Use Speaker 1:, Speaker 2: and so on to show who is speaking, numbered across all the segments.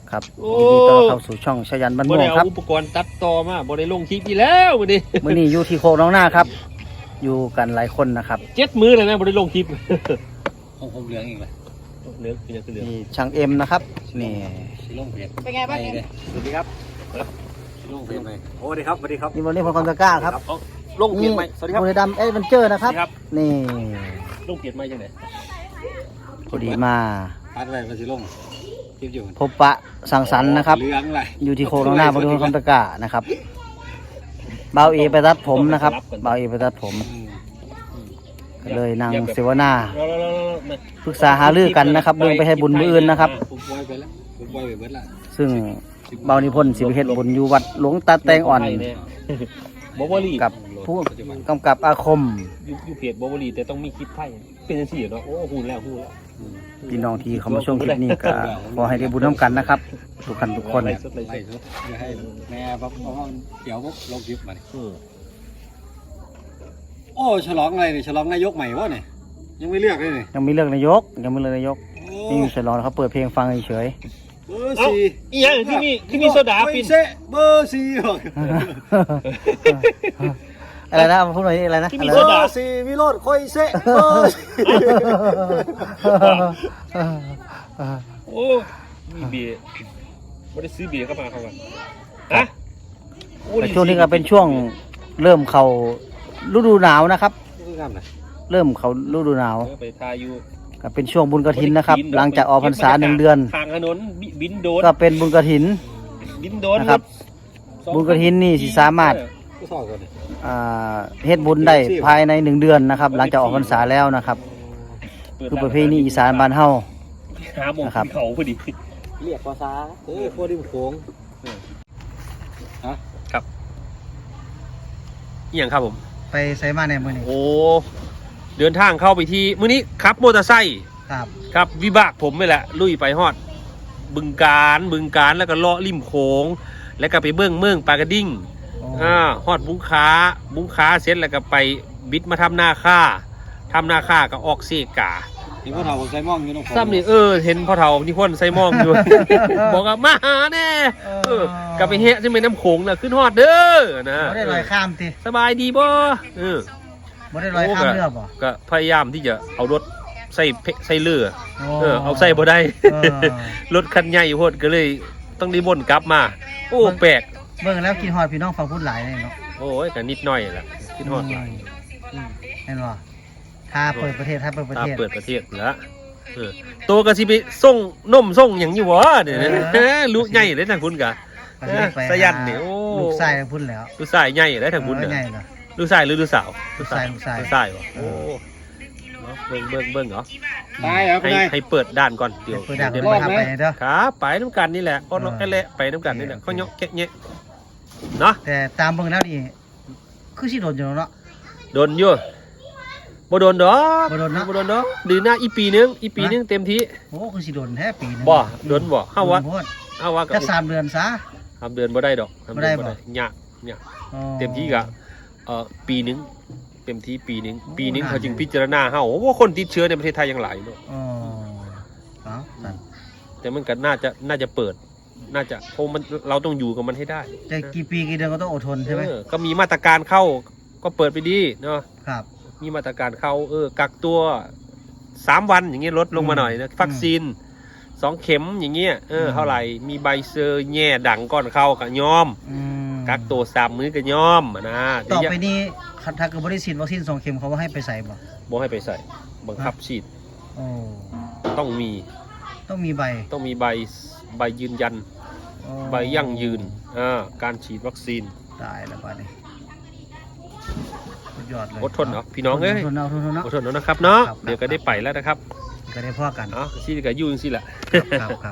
Speaker 1: ครับยินดีต้อนรับเข้าสู่ช่องชยันบ้านม่วงครับ
Speaker 2: อุปกรณ์ตัดต่อมาบ่ได้ลงคลิปอีแล้วมื้อนี้
Speaker 1: มื้อนี้อยู่ที่โคกน้องหน้าครับอยู่กันหลายคนนะครับ
Speaker 2: 7 มื้อแล้วนะบ่ได้ลงคลิป
Speaker 3: ผมเหลืองอีกเลย
Speaker 2: เหลืองเป็นยังคือเหลือง
Speaker 1: นี่ช่างเอ็มนะครับนี่
Speaker 3: ชิลงเพียร
Speaker 4: เป็นไงบ้างเนี่ย
Speaker 3: สวัสดีครับชิลงเพียรไปโอ้สวัสดีครับสวัสดีครับ
Speaker 1: นี่วันนี้ผมคอนตะกร้าครับ
Speaker 2: ลงเปลี่ยนใหม่สวัสดีครับ
Speaker 1: บุรีรัมย์เอเวนเจอร์นะครับนี่
Speaker 2: ลงเปลี่ยนใหม่จังได๋
Speaker 1: พอดีมา
Speaker 3: พัดอะไรมาชิลงคลิปอยู่
Speaker 1: พบปะสังสรรค์นะครับ
Speaker 3: เหลืองอะไร
Speaker 1: อยู่ที่โคกน้องหน้าบริเวณคอนตะกร้านะครับเบาเอไปตัดผมนะครับเบาเอไปตัดผมก็เลยนั่งเสวนาปรึกษาหารือกันนะครับเรื่องไปให้บุญมื้ออื่นนะครับ
Speaker 3: ผมปล่อยไปแล้วผมปล่อยไปเบิดละ
Speaker 1: ซึ่งเบานิพนธ์สิไปเฮ็ดบุญอยู่วัดหลวงตาแตงอ่อน
Speaker 2: บ่บ่รี
Speaker 1: กับผู้กำกับอาคม
Speaker 2: อยู่เพจบ่บ่รีแต่ต้องมีคลิปไทยเป็นจังซี่เนาะโอ้ฮู้แล้ว
Speaker 1: พี่น้องที่เขามาชมคลิปนี้ก็ขอให้ได้บุญร่วมกันนะครับทุกท่านทุกคน
Speaker 3: ไล่สุดอย่าให้แม่ปั๊บเพราะว่าเดี๋ยวปุ๊บลงคลิปมาโอ้ฉลองอะไรเนี่ยฉลองนายกใหม่วะเนี่ยยังไม่เลือกเลยเนี่ย
Speaker 1: ยังมีเรื่องนายกนี่อยู่ฉลองเขาเปิดเพลงฟังเฉย
Speaker 3: เบอร์สี่
Speaker 2: อีหยังที่มีโซดาปิ่น
Speaker 3: เบอร์สี่
Speaker 1: อะไรนะพูดหน่อยอะไรนะ
Speaker 2: ที่มี
Speaker 3: เบ
Speaker 2: โซ
Speaker 3: อ
Speaker 2: ดา
Speaker 3: ร์สี่วิโรจน์ค่อยเซะเบอร์สี่
Speaker 2: โอ้มีเบียร์ไม่ได้ซื้อเบียร์เข้ามาเขากันฮะ
Speaker 1: แต่ช่วงนี้ก็เป็นช่วงเริ่มเข้าฤดูหนาวนะครับ เริ่มเข้าฤดูหนาว
Speaker 2: ไปทาอยู่
Speaker 1: ก็เป็นช่วงบุญกฐินนะครับ หลังจากออกพรรษา1 เดือน
Speaker 2: ทางถนนบินโดน
Speaker 1: ก็เป็นบุญกฐิน
Speaker 2: บินโดน
Speaker 1: นะครับ บุญกฐินนี่สิสามารถเฮ็ดบุญได้ภายใน1 เดือนนะครับ หลังจากออกพรรษาแล้วนะครับ คือประเพณีอีสานบ้านเฮา
Speaker 2: หาหมองเขาพอดี
Speaker 1: เรียกภาษา
Speaker 3: พวกริมโขง
Speaker 2: ครับอีหยังครับผม
Speaker 1: ไปไสมาในมื้อนี้
Speaker 2: โอ้เดินทางเข้าไปที่มื้อนี้ขับมอเตอร์ไซค์
Speaker 1: ครับ
Speaker 2: ครับวิบากผมนี่แหละลุยไปฮอดบึงการแล้วก็เลาะริมโขงแล้วก็ไปเมืองปากระดิ่งฮอดบุงค้าเสร็จแล้วก็ไปบิดมาทำนาค่าก็ออกเซกา
Speaker 3: ที่พ่อเฒ่าใส่ม่องอยู่น้อง
Speaker 2: ซ้ำนี่เห็นพ่อเฒ่านิพนธ์ใส่มองอยู่ บอกว่ามาหาแน่กลับไปเฮะที่แม่น้ำโขงน่ะขึ้นฮอดเด้อนะ
Speaker 1: บ่ได้ลอยข้ามติ
Speaker 2: สบายดีบ่
Speaker 1: บ่ได้ลอยข้ามเรือบ่
Speaker 2: ก็พยายามที่จะเอารถใส่เรือเอาใส่บ่ได้ รถคันใหญ่โพดก็เลยต้องรีบวนกลับมาโอ้แปลก
Speaker 1: เบิ่งแล้วกินฮอดพี่น้องฟังพูดหลายเลยเนาะ
Speaker 2: โอ้ยก็นิดหน่อยแหละคิดฮอดหลาย
Speaker 1: เห็นบ่ถ้าเปิดประเทศ
Speaker 2: ตาเปิดประเทศแล้วโตก็สิไปส่งนมส่งหยังอยู่บ่เดี๋ยวนี้ลูกใหญ่เลยทางคุณกะสยันนี่โอ้
Speaker 1: ลูกชายพุ่นแล้ว
Speaker 2: ลูกชายใหญ่เลยทางคุณ
Speaker 1: ใหญ่
Speaker 2: เนี่ย
Speaker 1: เหรอ
Speaker 2: ลูกชายหรือลูกสาว
Speaker 1: ลูกชาย
Speaker 2: ลูกชายบ่โอ้เบิ่งเหรอ
Speaker 3: ได้ครับได้
Speaker 2: ให้เปิดด้านก่อนเดี๋ยว
Speaker 1: เปิดดักไปทำไปเด้อ
Speaker 2: ครับไปน้ำกันนี่แหละก็นกแอะไปน้ำกันนี่แหละเขาเนาะแกะเงี้ยเนาะ
Speaker 1: แต่ตามเบิ่งแล้วนี่คือสิโดนอยู่เนาะ
Speaker 2: โดนอยู่บ่โดนดอก
Speaker 1: บ่โดนเนาะ
Speaker 2: บ่โดนดอกดือหน้าอีปีนึงเต็มที่
Speaker 1: โอ้คือสิโดนแท้ปีนึง
Speaker 2: บ่โดนบ่เข้าวัด
Speaker 1: โดนโพด
Speaker 2: เข้าวัด
Speaker 1: จะ3 เดือนซะ
Speaker 2: ทำเดือนบ่ได้ดอก
Speaker 1: บ่ได้บ่
Speaker 2: ยาก
Speaker 1: อ๋อ
Speaker 2: เต็มที่กะปีนึงเต็มที่ปีนึงเขาจึงพิจารณาเฮาว่าคนติดเชื้อในประเทศไทยยังหลายเนาะ
Speaker 1: อ๋อเอาสั่น
Speaker 2: แต่มันก็น่าจะเปิดน่าจะเพราะมันเราต้องอยู่กับมันให้ได้
Speaker 1: จะกี่ปีกี่เดือนก็ต้องอดทนใช่ไหม
Speaker 2: ก็มีมาตรการเข้าก็เปิดไปดีเนาะ
Speaker 1: ครับ
Speaker 2: มีมาตรการเข้ากักตัว3 วันอย่างเงี้ยลดลงมาหน่อยนะวัคซีน2 เข็มอย่างเงี้ยเท่าไหร่มีใบเซอร์แง่ดังก่อนเข้ากับยอมกักตัว3 มื้อกับยอมนะ
Speaker 1: ต่อไปนี้ถ้าเกิดบ่ได้ฉีดวัคซีน2 เข็มเขาว่าให้ไปใส่บ่
Speaker 2: บ่ให้ไปใส่บังคับฉีด
Speaker 1: โอ้
Speaker 2: ต้องมี
Speaker 1: ต้องมีใบ
Speaker 2: ใบยืนยัน
Speaker 1: โอ้
Speaker 2: ใบยั่งยืนการฉีดวัคซีน
Speaker 1: ตายแล้วป่านนี้สุดยอดเลย
Speaker 2: อดทนเนาะพี่น้องเอ้ย
Speaker 1: อดทนเนาะ
Speaker 2: อดทนนะครับเนาะ
Speaker 1: ครับ
Speaker 2: เดี๋ยวก็ได้ไปแล้วนะครับ
Speaker 1: ก็ได้พ่อกัน
Speaker 2: ที่ก็อยู่จังซี่แหละ
Speaker 1: ครับ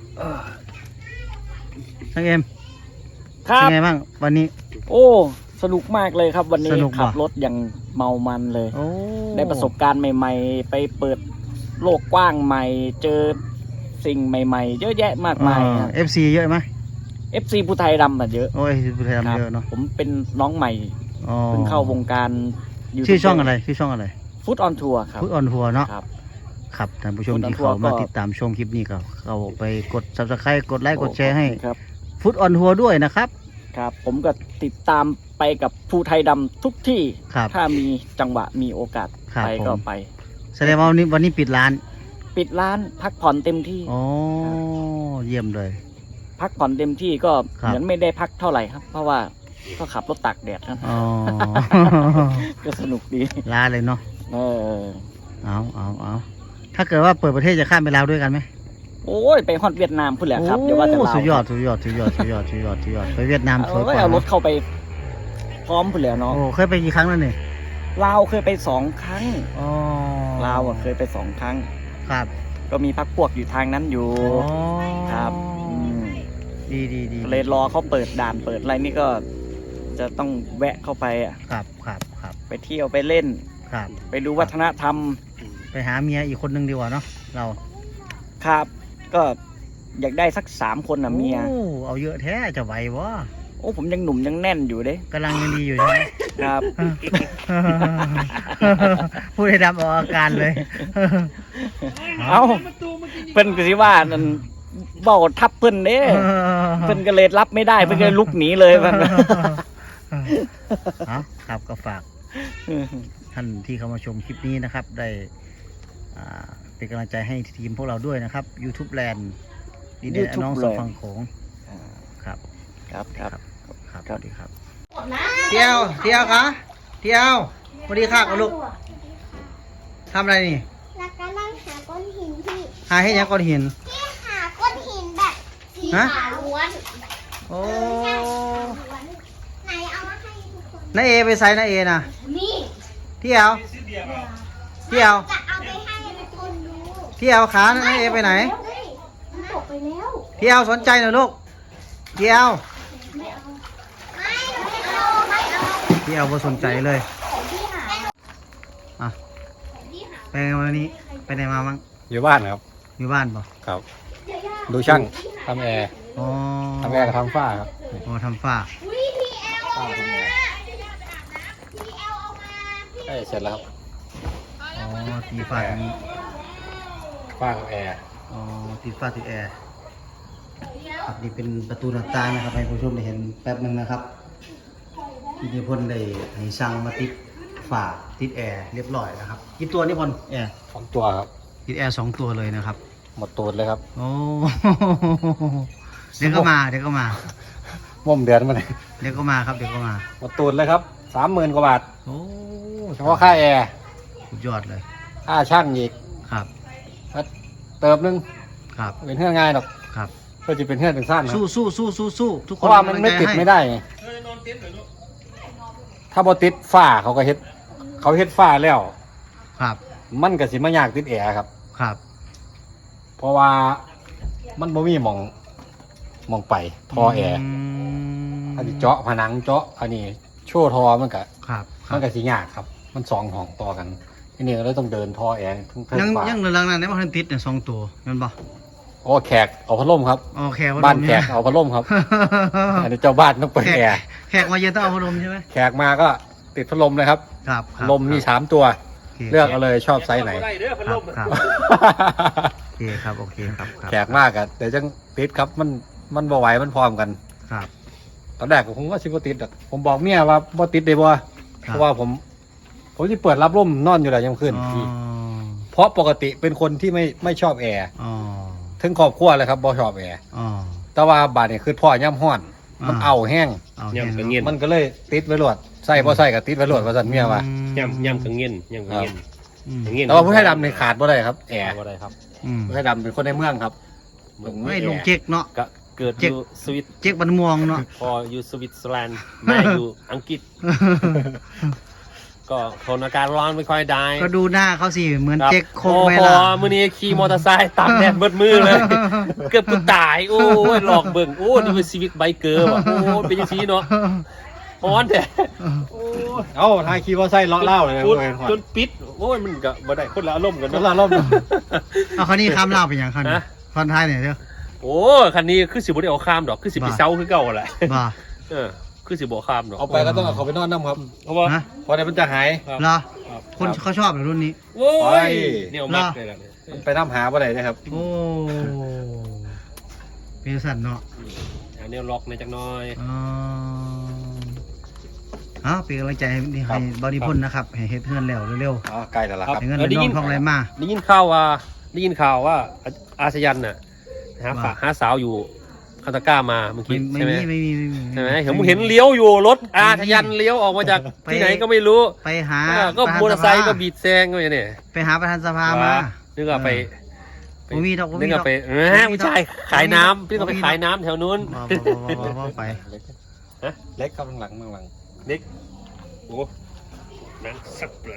Speaker 1: ทั้งเอ็ม
Speaker 4: ครั
Speaker 1: เป็
Speaker 4: บ
Speaker 1: นไงบ้างวันนี้
Speaker 4: โอ้สนุกมากเลยครับวันนี้
Speaker 1: สนุกว่ะ
Speaker 4: ขับรถอย่างเมามันเลย
Speaker 1: โอ้
Speaker 4: ได้ประสบการณ์ใหม่ๆ ไปเปิดโลกกว้างใหม่ เจอสิ่งใหม่ๆ เยอะแยะมากมายครับ
Speaker 1: FC เยอะไหม
Speaker 4: FC ผู้ไทยดำอะเยอะ
Speaker 1: โอ้ยผู้ไทย
Speaker 4: ครั
Speaker 1: เยอะเนาะ
Speaker 4: ผมเป็นน้องใหม่
Speaker 1: อ๋อ
Speaker 4: เพิ่งเข้าวงการ
Speaker 1: ชื่อช่องอะไร
Speaker 4: ฟุตออนทัวร์ครับ
Speaker 1: ฟุตออนทัวร์เนาะ
Speaker 4: ครับ
Speaker 1: ครับท่านผู้ชม
Speaker 4: Food on
Speaker 1: ที่
Speaker 4: Tour
Speaker 1: เขามา
Speaker 4: ก็
Speaker 1: ติดตามชมคลิปนี้ก็เข้าไปกด Subscribe กดไลค์กดแชร์ให้
Speaker 4: ครับ
Speaker 1: ฟุตออนทัวร์ด้วยนะครับ
Speaker 4: ครับ ผมก็ติดตามไปกับภูไทยดำทุกที่
Speaker 1: ครับ
Speaker 4: ถ้ามีจังหวะมีโอกาส
Speaker 1: ครับ
Speaker 4: ไปก็
Speaker 1: ผม
Speaker 4: ไป
Speaker 1: แสดงว่าวันนี้ปิดร้าน
Speaker 4: ปิดร้านพักผ่อนเต็มที่
Speaker 1: อ๋อเยี่ยมเลย
Speaker 4: พักผ่อนเต็มที่ก็
Speaker 1: ครับ
Speaker 4: เหมือนไม่ได้พักเท่าไหร่ครับ เพราะว่าก็ขับรถตากแดดครับ
Speaker 1: อ๋อ
Speaker 4: ก็สนุกดี
Speaker 1: ลาเลยเนาะ
Speaker 4: เออ
Speaker 1: เอาถ้าเกิดว่าเปิดประเทศจะข้ามไปลาวด้วยกันไหม
Speaker 4: โอ้ยไปฮอดเวียดนามพุ่นแหละครับเดี๋ยวว่าแต่
Speaker 1: โอ้
Speaker 4: ลาว
Speaker 1: สุดยอดไปเวียดนามสวยกว่า
Speaker 4: เอารถ
Speaker 1: เนาะ
Speaker 4: เข้าไปพร้อมพุ่นแหล้วเนาะ
Speaker 1: โอ้เคยไปกี่ครั้งแล้วเนี่ย
Speaker 4: ลาวเคยไป2 ครั้ง
Speaker 1: อ๋อ
Speaker 4: ลาวเคยไป2 ครั้ง
Speaker 1: ครับ
Speaker 4: ก็มีพักพวกอยู่ทางนั้นอยู่
Speaker 1: อ๋อ
Speaker 4: ครับอืม
Speaker 1: ดี
Speaker 4: เลยรอเขาเปิดด่านเปิดอะไรนี่ก็จะต้องแวะเข้าไปอะ
Speaker 1: ครับ
Speaker 4: ไปเที่ยวไปเล่น
Speaker 1: ครับ
Speaker 4: ไปดูวัฒนธรรม
Speaker 1: ไปหาเมียอีกคนนึงดีกว่าเนาะเรา
Speaker 4: ครับ ก็อยากได้สัก3 คนนะเมีย
Speaker 1: โอ้เอาเยอะแท้จะไหววะ
Speaker 4: โอ้ผมยังหนุ่มยังแน่นอยู่เด้
Speaker 1: กำลังยังดีอยู่ใช่ไหม
Speaker 4: ครับ
Speaker 1: พูดให้ดำออกอาการเลย
Speaker 4: เอาเพิ่นก็สิว่านั่นเบ้าทับเพิ่นเด้เพิ่นก็เลยรับไม่ได้เพิ่นก็เลยลุกหนีเลยมัน
Speaker 1: เอาครับก็ฝากท่านที่เข้ามาชมคลิปนี้นะครับ ได้เป็นกำลังใจให้ทีมพวกเราด้วยนะครับ YouTube Land ดีเด่น
Speaker 4: YouTube
Speaker 1: น้องส
Speaker 4: Land
Speaker 1: ฟังโขงครับ
Speaker 4: ครับครับ
Speaker 1: ครับสวัสดีครับเที่ยวคะเที่ยวสวัสดีค่ะกับลูกทำอะไรนี่
Speaker 5: แล้วก็นั่งหาก้อนหินที่
Speaker 1: หาให้ยังก้อนหิน
Speaker 5: ที่หาก้อนหินแบบสี
Speaker 1: ฮะ
Speaker 5: ขาวล้วน
Speaker 1: โอ้
Speaker 5: ใช่ขาวล้วนไหนเอามาให้ทุกคน
Speaker 1: น้าเอไปใส่น้าเอนะ
Speaker 5: นี่
Speaker 1: เที่ยวเที่ยว
Speaker 5: จะเอาไปให้ทุกคนดู
Speaker 1: เที่ยวขาน้าเอไปไหน
Speaker 5: เฮ้ยมันตกไปแล้ว
Speaker 1: เที่ยวสนใจหน่อยลูกเที่ยว
Speaker 5: ไม่เอาไม่เอา
Speaker 1: เที่ยวบ่สนใจเลย
Speaker 5: ของที่หา
Speaker 1: อ่ะ
Speaker 5: ที่หา
Speaker 1: ไปไงวันนี้ไปไหนมาบ้าง
Speaker 3: อยู่บ้านครับ
Speaker 1: อยู่บ้านป่ะ
Speaker 3: ครับ
Speaker 5: เดี๋ยวยา
Speaker 3: ดูช่างทำแอร์
Speaker 1: อ๋อ
Speaker 3: ทำแอร์กับทำฝ้าครับ
Speaker 1: อ๋อทำฝ้า
Speaker 5: อุ้ยพี่แอลเอามาพี่แอลเอามา
Speaker 3: ใกล้เสร็จแล้วครับ
Speaker 1: อ๋อตีฝ้าตรงนี้
Speaker 3: ฝ้ากับแอร์
Speaker 1: อ๋อติดฝ้าติดแอร์ครับนี่เป็นประตูหน้าต่างนะครับให้ผู้ชมได้เห็นแป๊บหนึงนะครับที่นิพนธ์ได้ให้ช่างมาติดฝ้าติดแอร์เรียบร้อยนะครับกี่ตัวนิพนธ์แอร์
Speaker 3: 2 ตัวครับ
Speaker 1: ติดแอร์2 ตัวเลยนะครับ
Speaker 3: หมดตูดเลยครับ
Speaker 1: โอ้ เดี๋ยวก็มา
Speaker 3: ม่มเดือนมาเลย
Speaker 1: เดี๋ยวก็มาครับ เดี๋ยวก็มา
Speaker 3: หมดตูดเลยครับ 30,000 กว่าบาท
Speaker 1: โอ้
Speaker 3: เฉพาะค่าแอร์
Speaker 1: สุดยอดเลย
Speaker 3: ค่าช่างอีก
Speaker 1: ครับ
Speaker 3: เติมนึง
Speaker 1: ครับ
Speaker 3: เป็นเพื่อนง่ายหรอก
Speaker 1: ครับ
Speaker 3: เพื่อจะเป็นเพื่อนเป็นสั้นครับ
Speaker 1: สู้ทุก
Speaker 3: เพ
Speaker 1: คน
Speaker 3: ราะว่ามันไม่ติดไม่ได้ไงถ้าบอติดฝ้าเขาเฮ็ดฝ้าแล้ว
Speaker 1: ครับ
Speaker 3: มันก็สิมายากติดแอร์ครับ
Speaker 1: ครับ
Speaker 3: เพราะว่ามันบ่มีหมองไปท่อแอร์ อันนี้เจาะผนังเจาะอันนี้โชว์ทอมันก็
Speaker 1: ครับ
Speaker 3: มันก็สิยากครับ มัน2 ห้องต่อกันทีนี้ก็เลยต้องเดินท่อแอร์เพิ่ง
Speaker 1: ยัง
Speaker 3: ฝา
Speaker 1: ยังเหลือหลังนั้นได้มาทันติดเนี่ย2 ตัวแมันบ่
Speaker 3: โอ้แขกเอาพัดลมครับ
Speaker 1: โอเค
Speaker 3: บ้านแขกเอาพัดลมครับ อันนี้เจ้าบ้านต้องเปิดแอร์
Speaker 1: แขกมาเย็นต้องเอาพัดลมใช่ไหม
Speaker 3: แขกมาก็ติดพัดลมเลยครับ
Speaker 1: ครับ
Speaker 3: ลมมี3 ตัว
Speaker 1: โค
Speaker 3: เลือกเอาเลยชอบไซส์ไหน
Speaker 2: ได้เด้อพัด
Speaker 1: ค
Speaker 2: ล
Speaker 1: รับ
Speaker 2: ม
Speaker 1: ครับโอเคครับโอเคครับครับ
Speaker 3: แขกมากอะเดี๋ยวจังติดครับมันบ่ไหวมันพร้อมกัน
Speaker 1: ครับ
Speaker 3: ตอนแรกผมว่าสิบ่ติดอะผมบอกเมียว่าบ่ติดได้บ่เพราะว่าผมที่เปิดรับลมนอนอยู่แล้วยังขึ้น
Speaker 1: อ๋อ
Speaker 3: เพราะปกติเป็นคนที่ไม่ชอบแอร์
Speaker 1: อ๋อ
Speaker 3: ถึงครอบครัวเลยครับบ่ชอบแอร์
Speaker 1: อ๋อ
Speaker 3: แต่ว่าบาดนี่คือพ่อย่ำห้อน มันเอาแห้ง
Speaker 1: เอา
Speaker 2: ย่ำ
Speaker 1: แค่
Speaker 2: กั
Speaker 1: นั้น
Speaker 2: เงียน
Speaker 3: มันก็เลยติดไว้รวดใส่บ่ใส่ก็ติดไว้รวดว่าซั่นเมียว่า
Speaker 2: ย่ำกัเงียนย่ำกัเงียน
Speaker 1: อืม
Speaker 2: เงียน
Speaker 3: แต่ว่าผู้ไทยดำนี่ขาดบ่ได้ครับแอร์
Speaker 2: อะไรครับ
Speaker 1: อืม
Speaker 3: ผู้ไทยดำเป็นคนในเมืองครับ
Speaker 1: ไม่ลงเจ๊กเนาะ
Speaker 2: ก็เกิดอ
Speaker 1: เจ๊ก
Speaker 2: ยู่สวิต
Speaker 1: เจ๊กบันม่วงเนาะ
Speaker 2: พออยู่สวิตเซอร์แลนด์แม่อยู่อังกฤษ ก็ทนอากาศร้อนไม่ค่อยได้
Speaker 1: ก็ดูหน้าเขาสิเหมือน
Speaker 2: ครับ
Speaker 1: เจ๊กโคก
Speaker 2: โอ้
Speaker 1: เว
Speaker 2: พอ
Speaker 1: ลา
Speaker 2: มื้อนี้ขี่มอเตอร์ไซค์ตากแดดเบิดมือเลย เกือบกูตาย โอ้ยหลอกเบิ่งโอ้นี่เป็นชีวิตไบเกอร์ว่ะโอ้เป็นจังซี่เนาะฮ้อนแท้โอ้ย
Speaker 3: เอ้าทายคีย์ว่าใส่เลาะเล่าเลยนะ
Speaker 2: จน
Speaker 3: เว้ย
Speaker 2: จนปิดโอ้ยมันก็บ่ได้คนละอารมณ์กัน
Speaker 3: แล้ว
Speaker 2: เนาะ
Speaker 3: ล่ะล่ม
Speaker 1: เอาคันนี้ข้ามเล่าไปอย่างคันนี้
Speaker 2: ฮะ
Speaker 1: คันท้ายเนี่ยเด้อ
Speaker 2: โอ้คันนี้คือสิบ่ได้เอาข้ามดอกคือสิไปเซาคือเก่าแหละ
Speaker 1: บ่า
Speaker 2: คือสิบ่ข้ามดอก
Speaker 3: เอาไปก็ต้องเอาเขาไปนอนน้ำครับ
Speaker 2: เพราะว่า
Speaker 1: ฮะ
Speaker 3: เพราะเดี๋ยวมันจะหาย
Speaker 1: เหรอคนเขาชอบเหรอรุ่นนี้
Speaker 2: โอ้
Speaker 3: ไป
Speaker 2: ยเนี่ยมักเลยล่ะ
Speaker 3: มันไปน้ำหาบ่ได้นะครับ
Speaker 1: โอ้เป็นสัตว์เนาะ
Speaker 2: อันนี้ล็อกในจักหน้อย
Speaker 1: อ๋อเอาเป็นกำลังใจให้บอดี้พ่นนะครับให้เฮ็ดเพื่อนแล้วเร็ว
Speaker 3: อ๋อใกล้แล้วล่ะครับ
Speaker 1: ๆให้เงินได้น้องท่องไรมา
Speaker 2: ได้ยินข่าวว่าอาชยันน่ะหาสาวอยู่คาตาก้ามาเมื่อกี้
Speaker 1: ไม่
Speaker 2: ใช่ไหม
Speaker 1: มีไม่มี
Speaker 2: ใช่ไหมเห็นเลี้ยวอยู่รถอาชยันเลี้ยวออกมาจากที่ไหนก็ไม่รู้
Speaker 1: ไปหา
Speaker 2: ก็มอเตอร์ไซค์ก็บีดแซงก็อย่างนี้
Speaker 1: ไปหาประธานสภามา
Speaker 2: นึกว่าไป
Speaker 1: บ่มีดอกบ่
Speaker 2: นึ
Speaker 1: มี
Speaker 2: ก
Speaker 1: ดอ
Speaker 2: ว่าก ไปไม่ใช่ขายน้ำนึกว่าไปขายน้ำแถวนู้น
Speaker 1: บ่ไป
Speaker 3: เล็กครับหลังหลัง
Speaker 2: เด็กโอ้นั่นสับเลย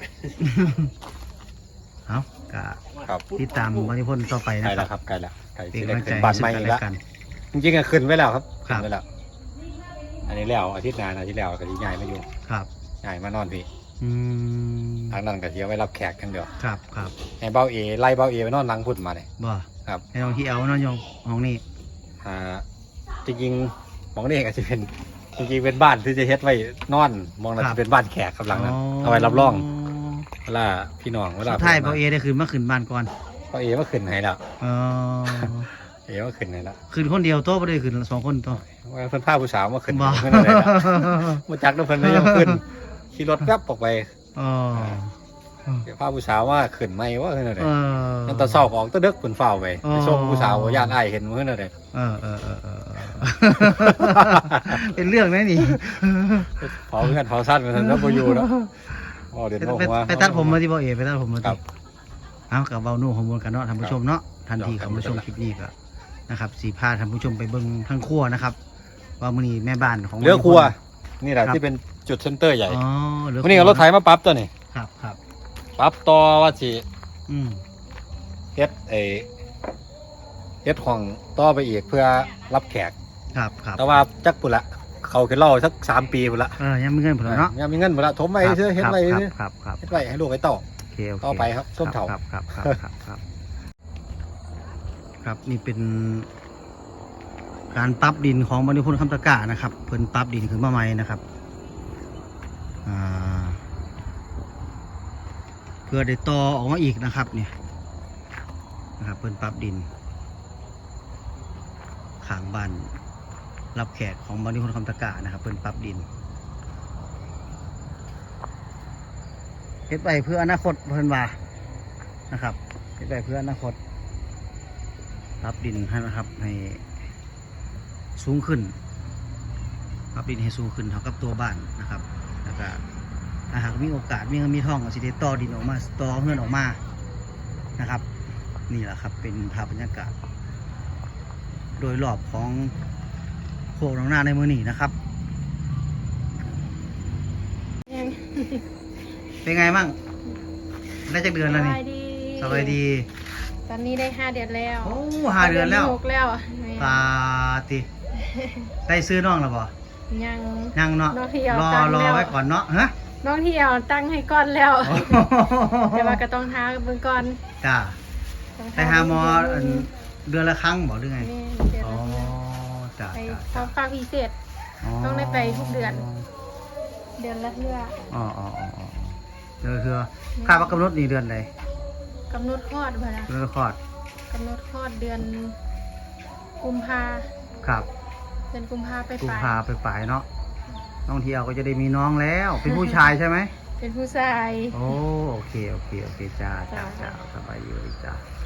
Speaker 1: เอาก็
Speaker 3: ครับ
Speaker 1: ติดตามบริพนธ์ต่อไป
Speaker 3: ใกล้
Speaker 1: นะค
Speaker 3: แล้
Speaker 1: รั
Speaker 3: ว
Speaker 1: บ
Speaker 3: ครับใกล้แล้วใกล้
Speaker 1: เป็น
Speaker 3: ที่
Speaker 1: กำ
Speaker 3: ได้
Speaker 1: ลังใจ
Speaker 3: ขึ้นบ้านใหม่
Speaker 1: ซึ่ง
Speaker 3: อี
Speaker 1: กัน
Speaker 3: ก
Speaker 1: และ
Speaker 3: แล้ว
Speaker 1: กัน
Speaker 3: จริงๆก็ขึ้นไว้แล้วครับ
Speaker 1: ครั
Speaker 3: ขึ้
Speaker 1: บ
Speaker 3: นไว้แล้วอันนี้แล้วอาทิตย์หน้าอาทิตย์แล้วก็ที่ใหญ่มาอยู่
Speaker 1: ครับ
Speaker 3: ใหญ่มานอนพี่
Speaker 1: อืม
Speaker 3: ทางนั้นก็เที่ยวไว้รับแขกกันเดียว
Speaker 1: ครับครับ
Speaker 3: ให้เบ้าเอไล่เบ้าเอไปนอนหลังพุ่นมาเลย
Speaker 1: บ่
Speaker 3: ครับ
Speaker 1: ให้น้องที่เอานอนยองห้องนี้
Speaker 3: จริงๆหมองนี่ก็จะเป็นจริงๆเป็นบ้านที่จะเฮ็ดไว้นอนมองน่าจะเป็นบ้านแขกครับหลังนั้นเอาไว้รับรองเวลาพี่น้องเวลา
Speaker 1: สุดท้ายเบาเอได้คืนมาขึ้นบ้านก่อน
Speaker 3: เบ้าเอมาขึ้นให้แล้ว
Speaker 1: เออ
Speaker 3: เอมาขึ้นให้แล้ว
Speaker 1: คืนคนเดียวโต๊ะไม่ได้คืนสองคนโต๊ะ
Speaker 3: ว่าเพิ่นพาผู้สาวมาขึ้น
Speaker 1: บ่
Speaker 3: เพิ่นอะไรแล้วมาจักแล้วเพิ่นไม่ยอมขึ้นขี่รถแป๊บออกไป
Speaker 1: อ๋อ
Speaker 3: พาผู้สาวว่าขึ้นไหมว่าขึ้นอะไร
Speaker 1: เออ
Speaker 3: นั่นตอนเช้าออกตะเดึกเพิ่นเฝ้าไป
Speaker 1: อ๋อ
Speaker 3: ไปส่งผู้สาวย่านอ้ายเห็นมื้อนั่นเลย
Speaker 1: เออเป็นเรื่องนะนี่
Speaker 3: เผาเงินเผาสั้นมันแล้วบ่อยู่แล้วอ๋อเดี๋ยวบอกว่า
Speaker 1: ไปตัดผมมาที่เบาเอไปตัดผมมา
Speaker 3: ครั
Speaker 1: ที่
Speaker 3: บ
Speaker 1: เอากับเบาหนุ่มของมวลกันเนาะท่านผู้ชมเนาะทันทีของผู้ชมคลิปนี้ก็นะครับสีพาท่านผู้ชมไปเบิ่งทั้งครัวนะครับ ว่ามื้อนี้แม่บ้านของ
Speaker 3: เรือครัวนี่แหละที่เป็นจุดเซ็นเตอร์ใหญ่
Speaker 1: อ๋อเรือครัว
Speaker 3: วันนี้เอารถไถมาปรั๊บตัวนี่
Speaker 1: ครับครับ
Speaker 3: ปรั๊บต่อว่าสิ
Speaker 1: อืม
Speaker 3: เฮ็ดเฮ็ดห้องต่อไปอีกเพื่อรับแขก
Speaker 1: ครับครับ
Speaker 3: แต่ว่าจักปุ่นละเขาขึ้นเล่าสัก3 ปีปุ่นละ
Speaker 1: ยังมีเงินผลเนาะ
Speaker 3: ยังมีเงินปุ่นละถมไปเชื่อเฮ็ดไว้เชื่อ
Speaker 1: ครับครับ
Speaker 3: เฮ็ดไว้ให้ลูกให้เต่า
Speaker 1: โอเคโอเค
Speaker 3: ต่อไปครับส้มเถา
Speaker 1: ครับครับนี่เป็น การปรับดินของบริพนธ์คำตะกร้านะครับเพิ่นปรับดินขึ้นมาใหม่นะครับเพื่อได้ต่อออกมาอีกนะครับเนี่ยนะครับเพิ่นปรับดินข้างบ้านรับแขกของบริพนธ์คำตะกร้านะครับเพิ่นปรับดินเฮ็ดไปเพื่ออนาคตเพิ่นว่านะครับเฮ็ดไปเพื่ออนาคตปรับดินให้นะครับให้สูงขึ้นปรับดินให้สูงขึ้นเท่ากับตัวบ้านนะครับแล้วก็ถ้าหากมีโอกาสมีเงินมีทองก็สิได้ต่อดินออกมาต่อเฮือนออกมานะครับ นี่แหละครับเป็นภาพบรรยากาศ โดยรอบของโคกหนองนาในมือนี้นะครับ เป็นไงบ้างได้จากเดือนแล้วนี่สบายดี
Speaker 6: ตอนนี้ได้5 เดือนแล้ว
Speaker 1: โอ้5 เดือนแล้ว
Speaker 6: 6แล้ว
Speaker 1: ตาติได้ซื้อน้องแล้วบ่
Speaker 6: ยัง
Speaker 1: ยังเนาะ
Speaker 6: น้องที่เอา
Speaker 1: รอ
Speaker 6: ตังค์แล้ว
Speaker 1: ไว้ก่อนเนาะฮะ
Speaker 6: น้องที่เอาตั้งให้ก้อนแล้ว แต่ว่าก็ต้องท้าเบิ่งก่อน
Speaker 1: จ้า
Speaker 6: ต้อง
Speaker 1: ไปหาหมออันเดือนละครั้งบ่หรือไง
Speaker 6: แม่เดือน
Speaker 1: อ๋อ
Speaker 6: ละเทื่อ
Speaker 1: จ้า
Speaker 6: ไป
Speaker 1: จ้า
Speaker 6: พร้อมฝากพิเศษ ต้องได้ไปทุกเดือน เดือนละเทื่อ
Speaker 1: อ๋อเดือนคือค่าว่ากำหนดนี่เดือนใด
Speaker 6: กำหนดคลอดบ่ล่ะ
Speaker 1: เดือนละคลอด
Speaker 6: กำหนดคลอดเดือนกุมภา
Speaker 1: ครับ
Speaker 6: เดือนกุมภาไป
Speaker 1: กุม
Speaker 6: ปลาย
Speaker 1: ภาไปปลายเนาะน้องเที่ยวก็จะได้มีน้องแล้ว เป็นผู้ชายใช่ไหม
Speaker 6: เป็นผู้ชาย
Speaker 1: โอ้โอเคจ้าสบายดีเลยจ้า